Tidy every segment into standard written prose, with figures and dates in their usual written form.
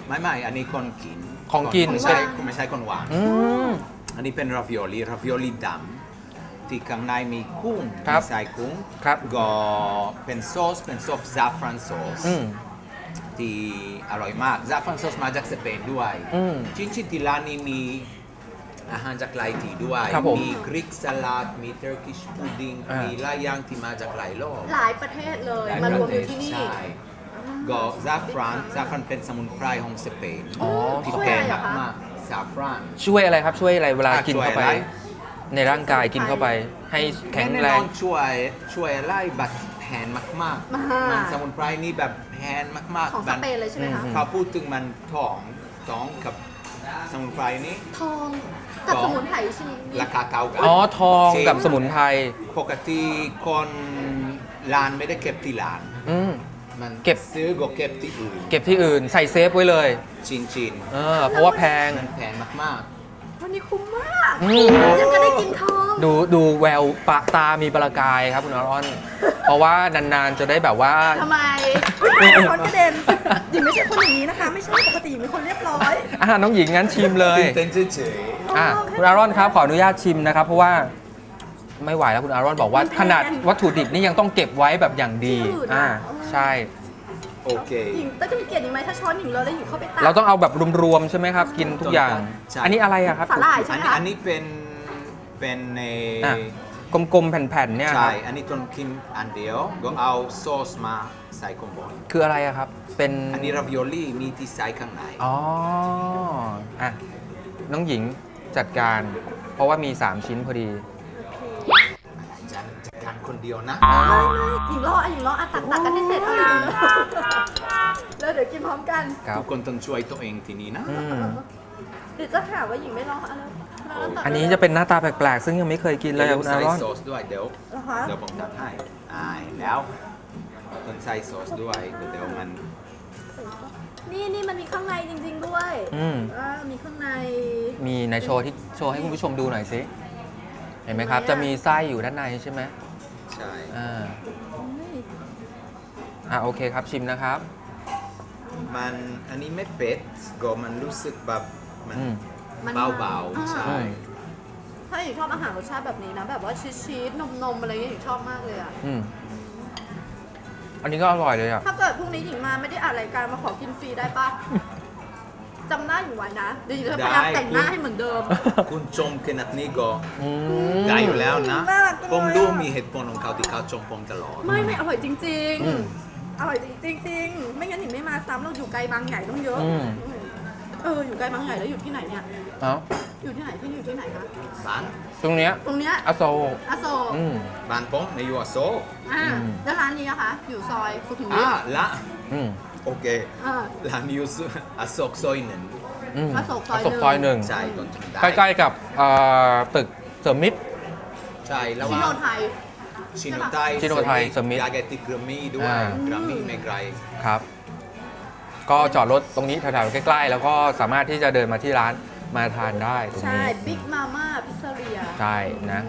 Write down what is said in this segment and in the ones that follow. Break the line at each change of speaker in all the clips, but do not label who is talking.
ไม่อันนี้คนกิน
ของกิน
ไม่ใช่คนหวานอันนี้เป็นราวิโอลีดำที่ข้างในมีกุ้งมีไส้กุ้งก็เป็นซอสซาฟรานซอสที่อร่อยมากซาฟรานซอสมาจากสเปนด้วยจริงๆที่ร้านนี้มีอาหารจากหลายที่ด้วยมีกรีกสลัดมีเทอร์กิชพุดดิ้งมีหลายอย่างที่มาจากหลายโลก
หลายประเทศเลยมารวมอยู่ที่นี่
ก็ซาฟรานเป็นสมุนไพรของสเปนที่แพงมากซาฟราน
ช่วยอะไรครับช่วยอะไรเวลากินเข้าไปในร่างกายกินเข้าไปให้แข็งแรง
ช่วยไล่บัตรแพงมากๆมันสมุนไพรนี่แบบแพงมากๆ
ของสเปนเลยใช่ไหมคะ
เขาพูดถึงมันทองกับสมุนไพรนี้
ทองกับสมุนไพรใช่ไหม
ราคาเท่ากัน
ทองกับสมุนไพร
ปกติคนร้านไม่ได้เก็บที่ร้านมัน
เก็บ
ซื้อก็เก็บที่
อื่นใส่เซฟไว้เลย
ชิน
เพราะว่าแพง
มาก
วันนี้คุ้มมากยังจะได้กินทอง
ดูแววปะตามีประกายครับคุณอารอนเพราะว่านานๆจะได้แบบว่า
ทำไมคนกระเด็นหญิงไม่ใช่คนอย่างนี้นะคะไม่ใช่ปกติหญิงเป็นคนเรียบร้อย
น้องหญิงงั้นชิมเลย
เต้นเฉย
คุณอารอนครับขออนุญาตชิมนะครับเพราะว่าไม่ไหวแล้วคุณอารอนบอกว่าขนาดวัตถุดิบนี่ยังต้องเก็บไว้แบบอย่างดีใช่
โอเค
หญิงจะมีเกียรติหญิงไหมถ้าช้อนหญิงเลยแล้วหญิงเข้าไปตัก
เราต้องเอาแบบรวมๆใช่ไหมครับกินทุกอย่างอันนี้อะไรอะครับ
สาหร่ายใช่ไหม
อันนี้เป็นใน
กลมๆแผ่นๆเนี่ย
ใช่อันนี้ต้องกินอันเดียวก็เอาซอสมาใส่ข้างบน
คืออะไรอะครับเป็น
อันนี้ราวิโอลี่มีที่ใส่ข้างใน
น้องหญิงจัดการเพราะว่ามี3ชิ้นพอดี
จัดการคนเดียวนะ
หญิงรอตักกันให้เสร็จแล้วเดี๋ยวกินพร้อมกัน
ทุกคนต้องช่วยตัวเองทีนี้นะ
เดี๋ยวจะหาว่าหญิงไม่รอ
อันนี้จะเป็นหน้าตาแปลกๆซึ่งยังไม่เคยกินเลยคุณอารอน
ใส่ซอสด้วยเดี๋ยวผมจัดให้แล้วต้องใส่ซอสด้วยเดี๋ยวมัน
นี่มันมีข้างในจริงๆด้วยมีข้างใน
มีในโชว์ให้คุณผู้ชมดูหน่อยสิเห็นไหมครับจะมีไส้อยู่ด้านในใช่ไหม
ใช่
โอเคครับชิมนะครับ
มันอันนี้ไม่เผ็ดก็มันรู้สึกแบบมันเบาๆใช่
ถ้าหญิงชอบอาหารรสชาติแบบนี้นะแบบว่าชีสนมอะไรอย่างเงี้ยหญิงชอบมากเลย
อันนี้ก็อร่อยเลย
ถ้าเกิดพรุ่งนี้หญิงมาไม่ได้อ่านรายการมาขอกินฟรีได้ปะจำหน้าหญิงไว้นะเดี๋ยวหญิงจะพยายามแต่งหน้าให้เหมือนเดิม
คุณชมขนาดนี้ก็ได้อยู่แล้วนะผมดูมีเหตุผลของเขาที่เขาชมผมตลอด
ไม่อร่อยจริงๆอร่อยจริงๆไม่งั้นหญิงไม่มาซ้ำเราอยู่ไกลบางใหญ่ต้องเยอะอยู่ไกลบางใหญ่แล้วอยู่ที่ไหนเนี่ยอยู่ที่ไหนอยู่ที่ไหนคะ
บ้าน
ตรงเนี้ยอโศ
ก
บ้านผมในอยู่อโศก
แล้วร้านนี้นะคะอยู่ซอยสุขุมวิท
ละโอเคร้านอยู่อโศกซอยหนึ่ง
อโศกซอย
หนึ่ง
ใช่
ใกล้ๆกับตึกเสริมมิตร
ใช่แล้ว
ชิโนไทย
เสริมมิตร
ยาเกติกรามี่ด้วยกรามี่ไม่ไกล
ครับก็จอดรถตรงนี้แถวๆใกล้ๆแล้วก็สามารถที่จะเดินมาที่ร้านมาทานได้ตรงนี้
ใช่บิ๊กมาม่าพิซซ่าเรีย
ใช่นะ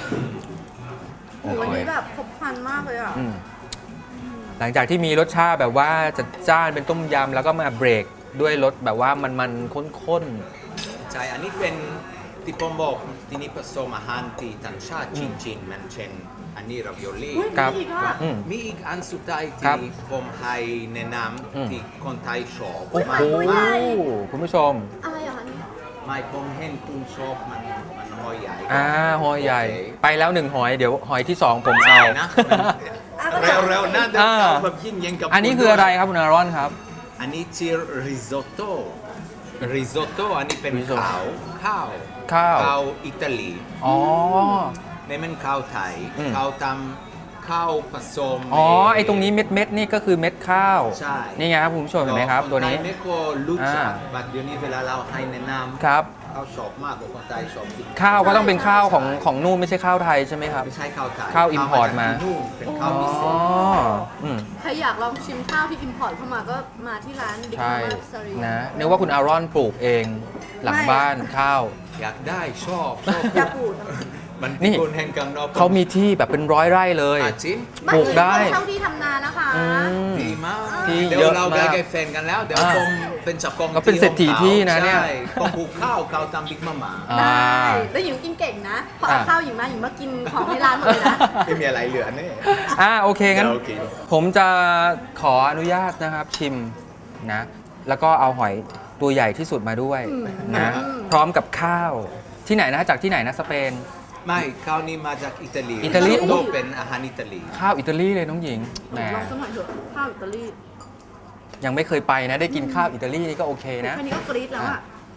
วันนี้แบบครบครันมากเลย
หลังจากที่มีรสชาติแบบว่าจัดจ้านเป็นต้มยำแล้วก็มาเบรกด้วยรสแบบว่ามันข้น
ๆใช่อันนี้เป็นที่ผมบอกที่นี่ผสมอาหารที่ต่างชาติชินมันเช่นอันนี้ราวิโอลี่มีอีกอันสุดท้ายที่ผมให้แนะนำที่คนไทยชอบ
มากคุณผู้ชม
อะไรอ่ะคะนี่
ไม่ผมเห็นคุณชอบมันหอยใหญ่
หอยใหญ่ไปแล้ว1หอยเดี๋ยวหอยที่2ผมเอา
นะเร็วๆนะเดี๋ยวแบบยิ่งยังกับ
อันนี้คืออะไรครับคุณอารอนครับ
อันนี้ชื่อริซอตโต้อันนี้เป็นข้าวอิตาลีไม่เป็นข้าวไทยข้าวทำข้าวผสม
ไอตรงนี้เม็ดนี่ก็คือเม็ดข้าว
ใช่
นี่ไงครับคุณผู้ชมเห็นไหมครับตัวนี้
ไม่ก็รู้จักบัดเดี๋ยวนี้เวลาเราให้แนะนำ
ครับ
ข้าวชอบมากกว่าคนไทยชอบ
ข้าวก็ต้องเป็นข้าวของนู่นไม่ใช่ข้าวไทยใช่ไหมครับ
ไม่ใช่ข้าวไทย
ข้าวอิมพอร์ตมา
เป็นข้าวพิเศษ
ใครอยากลองชิมข้าวที่อิมพอร์ตเข้ามาก็มาที่ร้านบิ๊กมาม่าสรี
นะนึกว่าคุณอารอนปลูกเองหลังบ้านข้าว
อยากได้ชอบ
อยากปลูก
มัน
นี่
คุณแห่งกังนอก
เขามีที่แบบเป็น100 ไร่เลย
จริง
ปลูกได้
เช่าที่ทำนานะคะ
อืม
ดีมาก
ที่
เดี๋ย
เยว อะ
เรา
มาก
ไปแฟนกันแล้ว เดี๋ยว
อ่า
ผมเป็นเจ้าของ
ก็เป็นเศรษฐีที่นะเนี่ย
ใช่ผมปลูกข้าวตามบิ๊กมาม่า
อ่า
ได้แล้วหญิงกินเก่งนะ พอเอาข้าวหญิงมากินของในร้านหมดเลยนะ
ไม่มีอะไรเหลือเนี่ย
โอเคงั้น
โอเค
ผมจะขออนุญาตนะครับชิมนะ แล้วก็เอาหอยตัวใหญ่ที่สุดมาด้วยนะ พร้อมกับข้าวที่ไหนนะจากที่ไหนนะสเปน
ไม่ข้าวนี้มาจากอิตาลี
อิตาลี
โตเป็นอาหารอิตาลี
ข้าวอิตาลีเลยน้องหญิงแหม
ลองสักหน่อยเถอะข้าวอิตาลี
ยังไม่เคยไปนะ ได้กินข้าวอิตาลีนี่ก็โอเคนะ
แค่นี้ก็กรี๊ดแล้วอ่ะ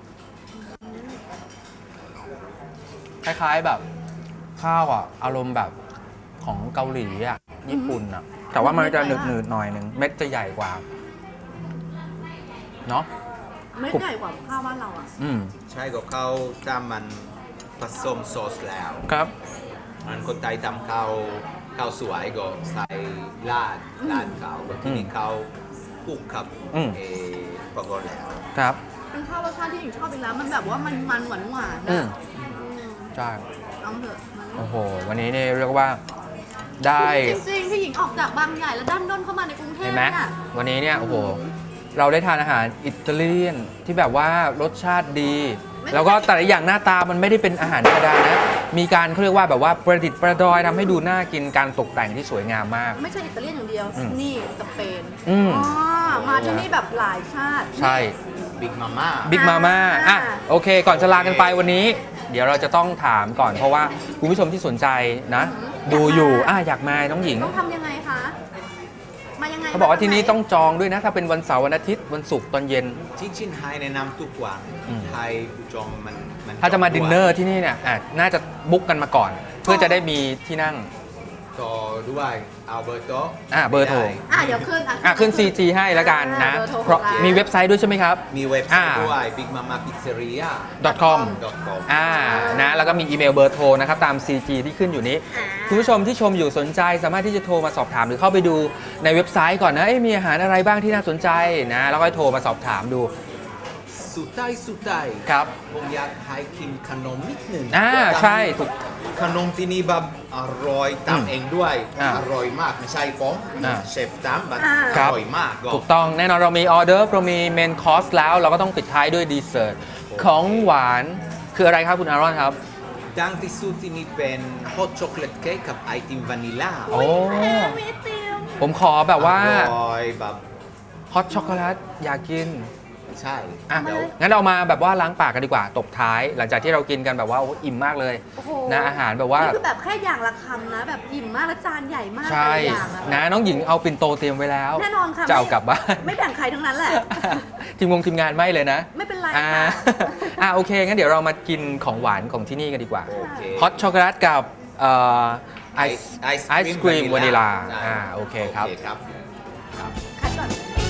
คล้ายๆแบบข้าวอ่ะอารมณ์แบบของเกาหลีอ่ะญี่ปุ่นอ่ะ แต่ว่ามันจะหนืดๆหน่อยหนึ่งเม็ดจะใหญ่กว่าเนาะ
ไม่ใหญ่กว่าข้าวบ้านเราอ่ะ
อืม
ใช่ก็ข้าวตามมันผสมซอสแล้ว
ครับ
มันคนไทยทำข้าวสวยก็ใส่ราดข้าวก็ที่นี่ข้าวคลุกครับ
อืม
ปรากฏแล้ว
ครับ
เป็นข้าวรสชาติที่หญิงชอบอีกแล้ว มันแบบว่ามันหวานๆ
อื
นะ
มใช่
เอาเถอะมัน
โอ้โห วันนี้เนี่ยเรียกว่าได้
จริงๆพี่หญิงออกจากบางใหญ่แล้วด้านด้นเข้ามาในกรุงเท
เห็
พ
นไหม
น่ะ
วันนี้เนี่ยโอ้โห เราได้ทานอาหารอิตาเลียนที่แบบว่ารสชาติดี แล้วก็แต่ละอย่างหน้าตามันไม่ได้เป็นอาหารธรรมดานะ มีการเขาเรียกว่าแบบว่าประดิษฐ์ประดอยทำให้ดูน่ากินการตกแต่งที่สวยงามมาก
ไม่ใช่อิตาเลียนอย่างเดียว
อืม
นี่สเปน
อืม
มาที่นี่แบบหลายชาติ
ใช่
บิ๊กมาม่า
บิ๊กมาม่าอ่ะโอเค ก่อนจะลากันไปวันนี้ เดี๋ยวเราจะต้องถามก่อนเพราะว่าคุณผู้ชมที่สนใจนะ ดูอยู่อยากมาน้องหญิง
ต้องทำยังไงคะ มายังไง
เขาบอกว่าที่นี่ต้องจองด้วยนะ ถ้าเป็นวันเสาร์วันอาทิตย์วันศุกร์ตอนเย็น
ที่ชินไฮแนะนำทุกวัน
อืม
ไทยผู้จองมัน
ถ้าจะมาดินเนอร์ที่นี่เนี่ยน่าจะบุ๊กกันมาก่อน เพื่อจะได้มีที่นั่ง
ต่อด้วยอัลเบอร์โต
เบอร์โทร
เดี๋ยวขึ้น
ขึ้น CG ให้แล้วกันนะ
เบอร์โทร
เพราะ
ของร้าน
มีเว็บไซต์ด้วยใช่ไหมครับ
มีเว็บไซต์ด้วย Big Mama Pizzeria
.com
.com
นะแล้วก็มีอีเมลเบอร์โทรนะครับตาม CG ที่ขึ้นอยู่นี้ คุณผู้ชมที่ชมอยู่สนใจสามารถที่จะโทรมาสอบถามหรือเข้าไปดูในเว็บไซต์ก่อนนะมีอาหารอะไรบ้างที่น่าสนใจนะแล้วก็โทรมาสอบถามดู
สุดท้าย
ครับ
ผมอยากให้กินขนมนิดหนึ่ง
ใช่ถูก
ขนมที่นี่แบบอร่อยตามเองด้วย อร่อยมากไม่ใช่ผม เชฟตามแบบอ
ครับ
ร่อยมากก็
ถูกต้องแน่นอนเรามีออเดอร์เรามีเมนคอร์สแล้วเราก็ต้องปิดท้ายด้วยดีเซอร์ตของหวานคืออะไรครับคุณอารอนครับ
ดังที่สุดที่นี่เป็นฮอตช็อกโกแลตเค้กกับไอติมวานิลลา
โอ้
มีติม
ผมขอแบบว่า
อร่อยแบบ
ฮอตช็อกโกแลตอยากกิน
ใช่
เดี๋ยว
มาเลย
งั้นเรามาแบบว่าล้างปากกันดีกว่าตบท้าย หลังจากที่เรากินกันแบบว่าอิ่มมากเลย
โอ้โห
นะอาหารแบบว่า
นี่คือแบบแค่อย่างละคำนะ แบบอิ่มมากแล้วจานใหญ่มาก
ใช่
แต่ละอย่างอะ
นะน้องหญิงเอาปิ่นโตเตรียมไว้แล้ว
แน่นอนค่ะ
จะเอากลับบ้าน
ไม่แบ่งใครทั้งนั้นแหละ
ทีมงานไม่เลยนะ
ไม่เป็นไร
อ่า
ค่ะ
โอเคงั้นเดี๋ยวเรามากินของหวานของที่นี่กันดีกว่า
โอเค
ฮอตช็อกโกแลตกับไอศครีมวานิลา
ใช่
โอเคครับ
โอเคครับ
คัดก่อน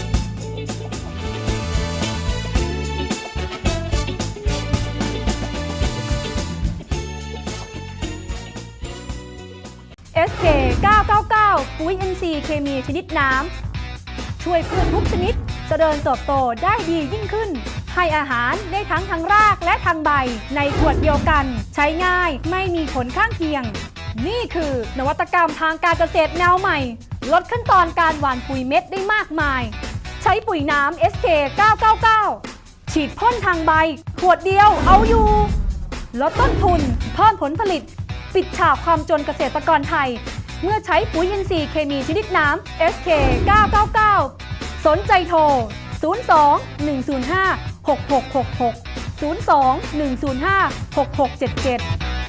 SK 999 ปุ๋ย NC เคมีชนิดน้ำ ช่วยพืชทุกชนิดเจริญเติบโตได้ดียิ่งขึ้น ให้อาหารได้ทั้งทางรากและทางใบ ในขวดเดียวกัน ใช้ง่ายไม่มีผลข้างเคียง นี่คือนวัตกรรมทางการเกษตรแนวใหม่ ลดขั้นตอนการหว่านปุ๋ยเม็ดได้มากมาย ใช้ปุ๋ยน้ำ SK 999 ฉีดพ่นทางใบ ขวดเดียวเอาอยู่ ลดต้นทุนเพิ่มผลผลิต ปิดฉากความจนเกษตรกรไทย เมื่อใช้ปุ๋ยอินทรีย์เคมีชนิดน้ำ SK 999 สนใจโทร 02 105 6666 02 105 6677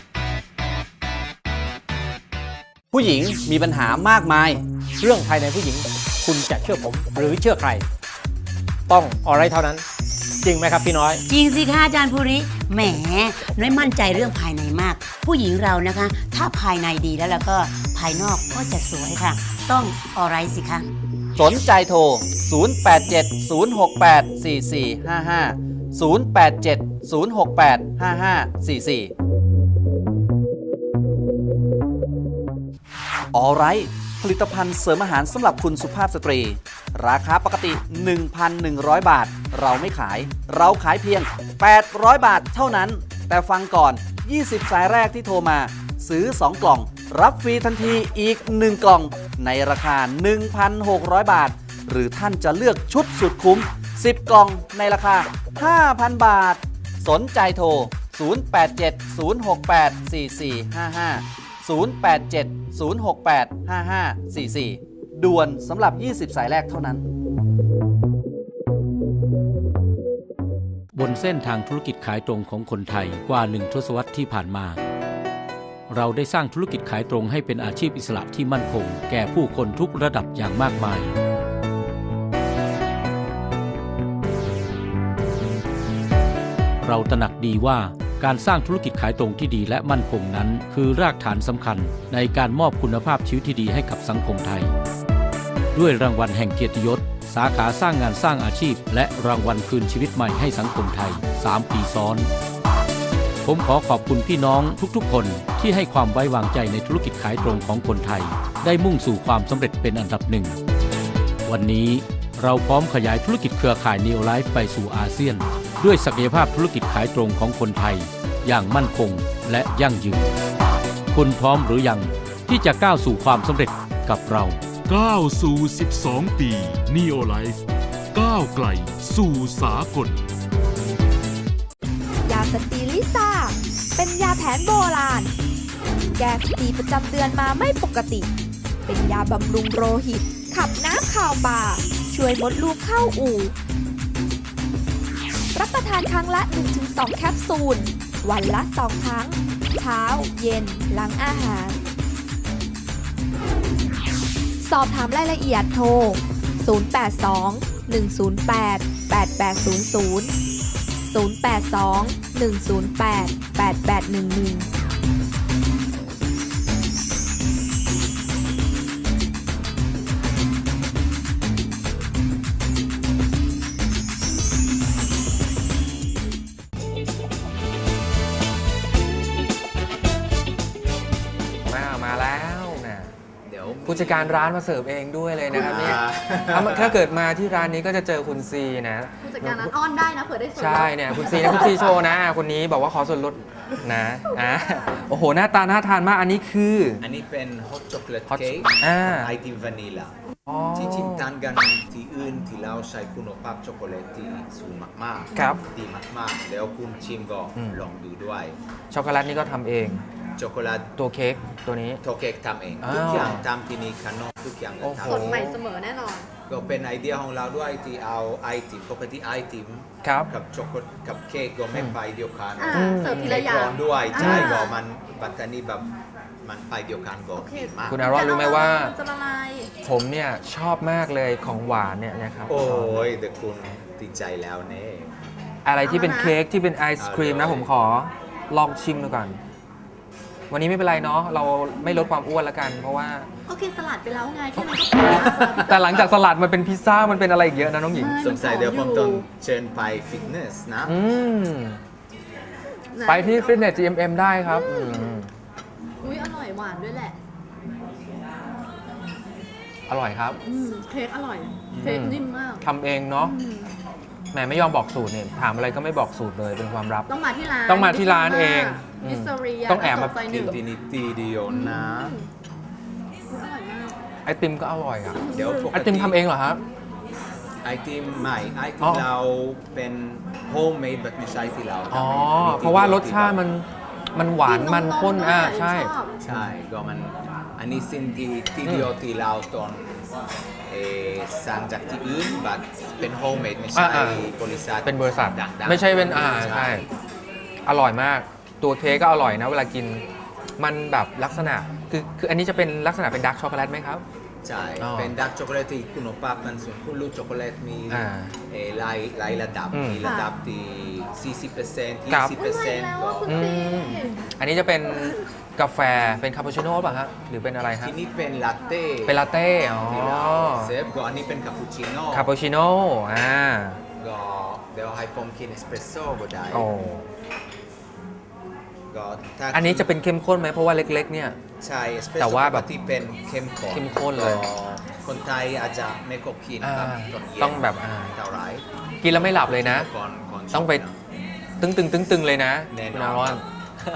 ผู้หญิงมีปัญหามากมาย เรื่องภายในผู้หญิง คุณจะเชื่อผมหรือเชื่อใคร ต้องอะไรเท่านั้น จริงไหมครับพี่น้อย
จริงสิคะอาจารย์ภูริแหมน้อยมั่นใจเรื่องภายในมาก ผู้หญิงเรานะคะ ถ้าภายในดีแล้วก็ภายนอกก็จะสวยค่ะ ต้องอะไรสิคะ
สนใจโทร 0870684455 0870685544 Alright ผลิตภัณฑ์เสริมอาหารสำหรับคุณสุภาพสตรี ราคาปกติ 1,100 บาท เราไม่ขาย เราขายเพียง 800 บาทเท่านั้น แต่ฟังก่อน 20 สายแรกที่โทรมาซื้อ 2 กล่อง รับฟรีทันทีอีก 1 กล่อง ในราคา 1,600 บาท หรือท่านจะเลือกชุดสุดคุ้ม 10 กล่องในราคา 5,000 บาท สนใจโทร 0870684444 ด่วนสำหรับ 20 สายแรกเท่านั้น
บนเส้นทางธุรกิจขายตรงของคนไทยกว่า1 ทศวรรษที่ผ่านมา เราได้สร้างธุรกิจขายตรงให้เป็นอาชีพอิสระที่มั่นคงแก่ผู้คนทุกระดับอย่างมากมาย เราตระหนักดีว่าการสร้างธุรกิจขายตรงที่ดีและมั่นคงนั้นคือรากฐานสำคัญในการมอบคุณภาพชีวิตที่ดีให้กับสังคมไทย ด้วยรางวัลแห่งเกียรติยศสาขาสร้างงานสร้างอาชีพและรางวัลคืนชีวิตใหม่ให้สังคมไทย 3 ปีซ้อน ผมขอขอบคุณพี่น้องทุกๆคนที่ให้ความไว้วางใจในธุรกิจขายตรงของคนไทยได้มุ่งสู่ความสำเร็จเป็นอันดับหนึ่งวันนี้เราพร้อมขยายธุรกิจเครือข่าย Neo Life ไปสู่อาเซียนด้วยศักยภาพธุรกิจขายตรงของคนไทยอย่างมั่นคงและยั่งยืนคุณพร้อมหรือยังที่จะก้าวสู่ความสำเร็จกับเรา
ก้าวสู่ 12 ปี Neo Life ก้าวไกลสู่สากล
ยาสตีลิซ่าเป็นยาแผนโบราณ แก้สตีประจำเดือนมาไม่ปกติ เป็นยาบำรุงโลหิต ขับน้ำข่าวป่า ช่วยมดลูกเข้าอู่ รับประทานครั้งละ 1-2 แคปซูล วันละ 2 ครั้ง เช้า เย็น หลังอาหาร สอบถามรายละเอียดโทร 082-108-8800 082-108-8811
มาแล้วนะ
เดี๋ยว
ผู้จัดการร้านมาเสิร์ฟเองด้วยเลยนะครับเนี่ย
อ่า
ถ้าเกิดมาที่ร้านนี้ก็จะเจอคุณซีนะ
ผู้จัดการร้านอ้อนได้นะเผื่อได้ส่วนลด
ใช่เนี่ยคุณซีนะคุณซีโชว์นะคนนี้บอกว่าขอส่วนลดนะโอ้โหหน้าตาน่าทานมากอันนี้คือ
อันนี้เป็น hot chocolate
Hot
cake
อ่า
ไอติมวานิลา
อ๋อ
จริงๆต่างกันที่อื่นที่เราใช้คุณภาพช็อกโกแลตที่สูงมากๆ
ครับ
ดีมากๆแล้วคุณชิมก็
อืม
ลองดูด้วย
ช็อกโกแลตนี่ก็ทำเอง
ช็อกโกแลต
ตัวเค้กตัวนี้
โทเค้กทำเอง
อ้าว
ทุกอย่างทำที่นี่ขนมทุกอย่าง
โอ้โห
ทำ
สดใหม่เสมอแน่นอน
ก็เป็นไอเดียของเราด้วยที่เอาไอติมปกติไอติม
ครับ
กับช็อกโกแลตกับเค้กก็ไม่ไปเดียวกัน
อ่าเสิร์ฟทีละอย่าง
เค้กร้อนด้วยใช่
อ่า
ก็มันบัตตานีแบบมันไปเดียวกันก็
โอเค
ดีมาก
คุณอารอนรู้ไหมว่า
จะละลาย
ผมเนี่ยชอบมากเลยของหวานเนี่ยนะครับ
โอ้ยแต่คุณติดใจแล้วเนี่ย
อะไรที่เป็น
เอาละนะ
เค้กที่เป็นไอศครีมนะ
เอาเลย
ผมขอลองชิมดูก่อน วันนี้ไม่เป็นไรเนาะเราไม่ลดความอ้วนแล้วกัน เพราะว่า
ก็กินสลัดไปแล้วไงแค่นั้นก็พอแล้ว
แต่หลังจากสลัดมันเป็นพิซซ่ามันเป็นอะไรอีกเยอะนะน้องหญิง
ไม่
สงสัยเดี๋ยวผมต้องเชิญไปฟิตเนสนะ
อืมไปที่ฟิตเนส GMM ได้ครับอืม
อุ้ยอร่อยหวานด้วยแหละ
อร่อยครับ
เค้กอร่อย เค้กนิ่มมาก
ทำเองเนาะ
อืม
แหมไม่ยอมบอกสูตรเนี่ยถามอะไรก็ไม่บอกสูตรเลยเป็นความลับ
ต้องมาที่ร้าน
ต้องมาที่ร้านเองอืม
มิสเรีย
ต้องแอบมา
ไฟหนึ่ง
ที่นี่ทีเดียวนะ
อร่อยมาก
ไอติมก็อร่อยอ่ะ
เดี๋ยวปก
ไอติมทำเองเหรอครับ
ไอติมไม่ไอติ
อ๋
ม
อ
เราเป็นโฮมเมดแบบไม่ใช่ที่เรา
อ๋อ
ทำเอง
เพราะว่ารสชาติมันหวานมันข้น
ด้วย
ใช่
ชอบ
ใช่ก็มันอันนี้สิ่งที่เดียวที่เราตอนสั่งจากที่อื่นแบบเป็นโฮมเมดไม่ใช่
อ่า
บริษัท
เป็นบริษัท
ดังๆ
ไม่ใช่เป็นใช่ อร่อยมาก ตัวเค้กก็อร่อยนะ เวลากิน มันแบบลักษณะ คืออันนี้จะเป็นลักษณะเป็นดาร์กช็อกโกแลตไหมครับ
ใช่
อ๋อ
เป็นดาร์กช็อกโกแลตที่คุณภาพมันสูงคุณรู้ช็อกโกแลตมี
อ่า
หลายระดับ
อืม
มีระดับที่ 40%
ครับ
20%ก็
อืมอันนี้จะเป็นกาแฟเป็นคาปูชิโน่ป่ะฮะหรือเป็นอะไรฮะ
ที่นี่เป็นลาเต้
เป็นลาเต้อ๋อ
ที่เราเซฟก็อันนี้เป็นคาปูชิโน่
คาปูชิโน่
ก็เดี๋ยวให้ผมกินเอสเปรสโซ่ก็ได้
โอ้
ก็ถ้า
อันนี้จะเป็นเข้มข้นไหมเพราะว่าเล็ก ๆ เนี่ย
ใช่เอสเปรส
แต่
โซ่
ว่าแบบ
ที่เป็นเข้มข้น
เข้มข้นเลย
ก็คนไทยอาจจะไม่ก็กิน
อ่า
แบบตอนเย็น
ต้องแบบ
เท่าไหร
กินแล้วไม่หลับเลยนะ
ก่อน
ต้องไป
ชมนะ
ตึงๆเลยนะ
แน่นอน
คุณอารอน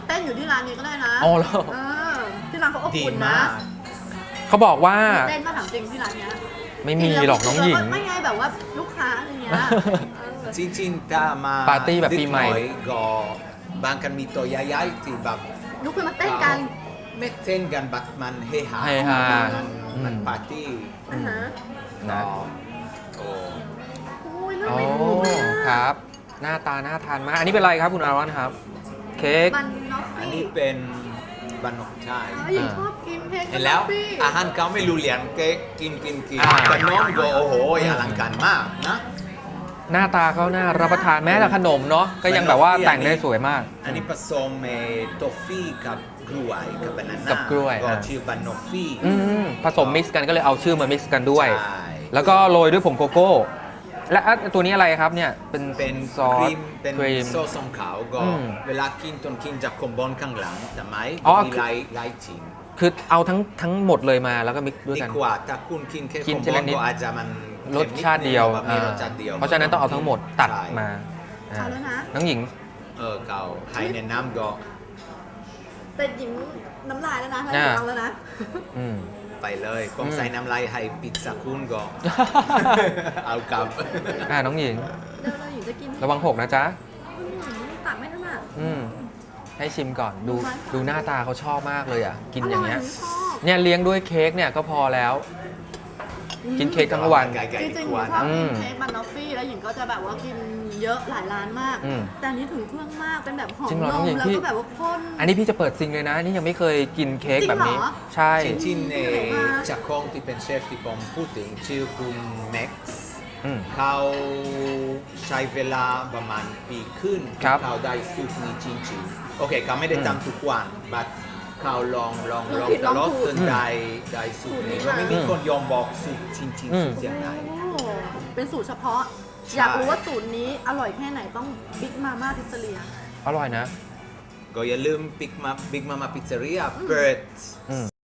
เต้นอยู่ที่ร้านนี้ก็ได้นะ
อ๋อเหรอ
เออที่ร้านเขาอบ
ดี
อุ่นนะ
มาก
เขาบอกว่า
เต้นมาถามจริงที่ร้านเนี้ย
ไม่มีหรอกน้องหญิง
ไม่ไงแบบว่าลูกค้าอะไรเงี้ยเออ
จริงๆถ้ามา
ปาร์ตี้แบบปีใหม่
ดึกน่อยก็บางกันมีตัวใหญ่ๆที่แบบ
ลุกขึ้นมาเต้นกัน
ไม่เต้นกันบัดมันเฮฮา
เฮฮา
มันปาร์ตี้
อ่าฮะ
นะ
โอ้
โอ้ยเรื่อง
โอ้
เมนูมาก
ครับ หน้าตาน่าทานมาก อันนี้เป็นอะไรครับคุณอารอนครับ เค้ก
บันนอฟ
อัน
ฟี่
นี้เป็นบันนกชาย
หญิงชอบกินเค้ก
เห็นแล้ว
บันนอฟฟี่
อาหารเขาไม่รู้เรียนเก๊กิน
อ่า
แต่น้องก็โอ้โหอลังการมากนะ
หน้าตาเขาน่ารับประทานแม้แต่ขนมเนาะก็ยังแบบว่าแต่งได้สวยมาก
อันนี้ผสมทอฟฟี่กับกล้วยกับบานาน่า
กับกล้วย
ก็
อ่า
ชื่อบันนอฟฟี่
ผสมมิกซ์กันก็เลยเอาชื่อมามิกซ์กันด้วย
ใช่
แล้วก็โรยด้วยผงโกโก้ และตัวนี้อะไรครับเนี่ย เป็น
เป็น
ซอ
ค
ส
รีมเป็น
ครีม
โซสของเขาก็
อืม
เวลากินต้องกินจากคอมบอนข้างหลังแต่ไหม
อ๋อ
มีหลายชิ้น
คือเอาทั้งหมดเลยมาแล้วก็มิกซ์ด้วย
ดี
กัน
กว่าถ้าคุณกินแค่
กิ
คน อม
ที
บอ
ละ
น
นิด
ก็อาจจะมัน
รสชาติเดียว
มีรสชาติเดียว
เพราะฉะนั้นต้องเอาทั้งหมดตัด
ใช่
มา
เอาแล้วนะ
น้องหญิง
เขาให้แนะนำก็
แต่หญิงน้ำลายแล้วนะถ้า
อ่า
เอาแล้วนะ
อืม
ไปเลยผมใส่น้ำลายให้พิซซ่าคุณก็ เอากลับ
น้องหญิง
เดี๋ยวเราหญิงจะกิน
ระวังหกนะจ๊ะ
ตักไม่ถนัด
ให้ชิมก่อนดูหน้าตาเขาชอบมากเลยอ่ะ กินอย่างเงี้ย
ร่ชอบ
เนี่ยเลี้ยงด้วยเค้กเนี่ยก็พอแล้ว กินเค้กทั้งวัน
ไก่
จ
ๆ
ริ
ดี
งๆห
ก
ญิ
ว่าง
ชอบ
นะ
กินเค้กบันนอฟฟี่แล้วหญิงก็จะแบบว่ากินเยอะหลายร้านมาก
อืม
แต่อันนี้ถึงเครื่องมากเป็นแบบหอม
จริงเหรอน น้อง
ม
หญิง
แล้ว
พี่
ก็แบบว่าข้น
อันนี้พี่จะเปิดซิงเลยนะ นี่ยังไม่เคยกินเค้กแบบนี้
จริงเหรอ
ใช่
จริงๆจากของที่เป็นเชฟที่ผมพูดถึงชื่อคุณแม็กซ์
อืม
เขาใช้เวลาประมาณปีขึ้น
ครับ
เขาได้สูตรนี้จริงๆโอเคเขาไม่ได้ทำทุกวันแต่เขาลองตลอดจนได้สูตรนี้ก็ไม่มีคนยอมบอกสูตรจริงๆสูตรยังไง
โอ้เป็นสูตรเฉพาะ
ใช่
อยากรู้ว่าสูตรนี้อร่อยแค่ไหนต้องบิ๊กมาม่าพิซซ่าเรีย
อร่อยนะ
ก็อย่าลืมบิ๊กมาม่าพิซซ่าเรียเปิด